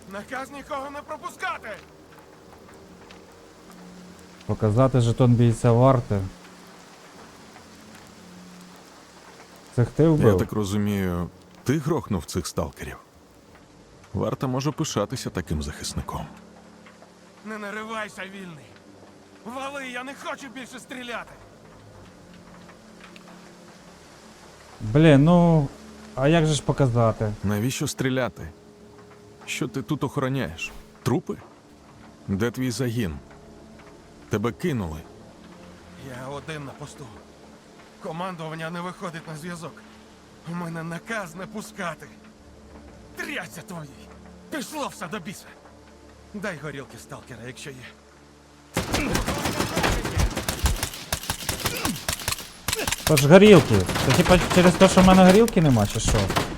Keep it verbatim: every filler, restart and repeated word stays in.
Наказ нікого не пропускати! Показати жетон бійця варти. Це ти вбив? Я так розумію, ти грохнув цих сталкерів. Варта може пишатися таким захисником. Не наривайся, вільний! Вали, я не хочу більше стріляти! Блін, ну... А як же ж показати? Навіщо стріляти? Що ти тут охороняєш? Трупи? Де твій загін? Тебе кинули. Я один на посту. Командування не виходить на зв'язок. У мене наказ не пускати. Трясся твої! Пішло все до біса! Дай горілки сталкера, якщо є. То ж горілки. Це типа через те, що в мене горілки нема, чи що?